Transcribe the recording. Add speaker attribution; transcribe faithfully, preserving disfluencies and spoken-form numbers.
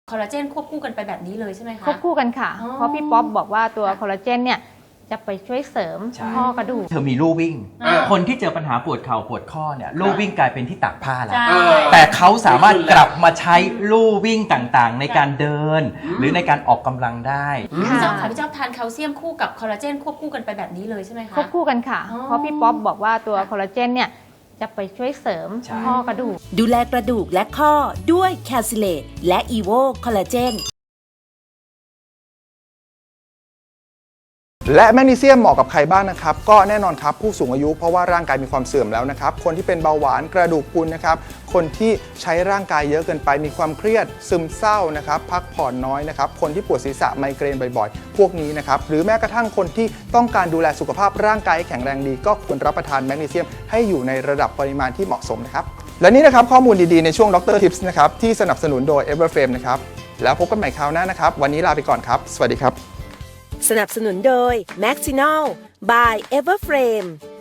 Speaker 1: คอลลาเจนควบคู่กันไปแบบนี้เลยใช่ไหมคะ
Speaker 2: ควบคู่กันค่ะเพราะพี่ป๊อปบอกว่าตัวคอลลาเจนเนี่ยจะไปช่วยเสริมข้อกระดูก
Speaker 3: เธอมีลู่วิ่ง
Speaker 1: อ่า
Speaker 3: คนที่เจอปัญหาปวดเข่าปวดข้อเนี่ยลู่วิ่งกลายเป็นที่ตากผ้าแล้ว
Speaker 1: ใช่
Speaker 3: แต่เขาสามารถกลับมาใช้ลู่วิ่งต่างๆ ในการเดิน หรือในการออกกำลังได้
Speaker 1: พี่เจ้าค่ะพี่เจ้าทานแคลเซียมคู่กับคอลลาเจนควบคู่กันไปแบบนี้เลยใช่ไหมคะ
Speaker 2: ควบคู่กันค่ะ
Speaker 1: อ๋อ
Speaker 2: เพราะพี่ป๊อปบอกว่าตัวคอลลาเจนเนี่ยจะไปช่วยเสริมข้อกระดูก
Speaker 4: ดูแลกระดูกและข้อด้วยแคลซิเลตและอีโวคอลลาเจน
Speaker 5: และแมกนีเซียมเหมาะกับใครบ้างนะครับก็แน่นอนครับผู้สูงอายุเพราะว่าร่างกายมีความเสื่อมแล้วนะครับคนที่เป็นเบาหวานกระดูกพรุนนะครับคนที่ใช้ร่างกายเยอะเกินไปมีความเครียดซึมเศร้านะครับพักผ่อนน้อยนะครับคนที่ปวดศีรษะไมเกรนบ่อยๆ พวกนี้นะครับหรือแม้กระทั่งคนที่ต้องการดูแลสุขภาพร่างกายให้แข็งแรงดีก็ควรรับประทานแมกนีเซียมให้อยู่ในระดับปริมาณที่เหมาะสมนะครับและนี่นะครับข้อมูลดีๆในช่วงดร Tips นะครับที่สนับสนุนโดย Everframe นะครับแล้วพบกันใหม่คราวหน้านะครับวันนี้ลาไปก่อนครับสวัสดีครับ
Speaker 4: สนับสนุนโดย Maxinol by Everframe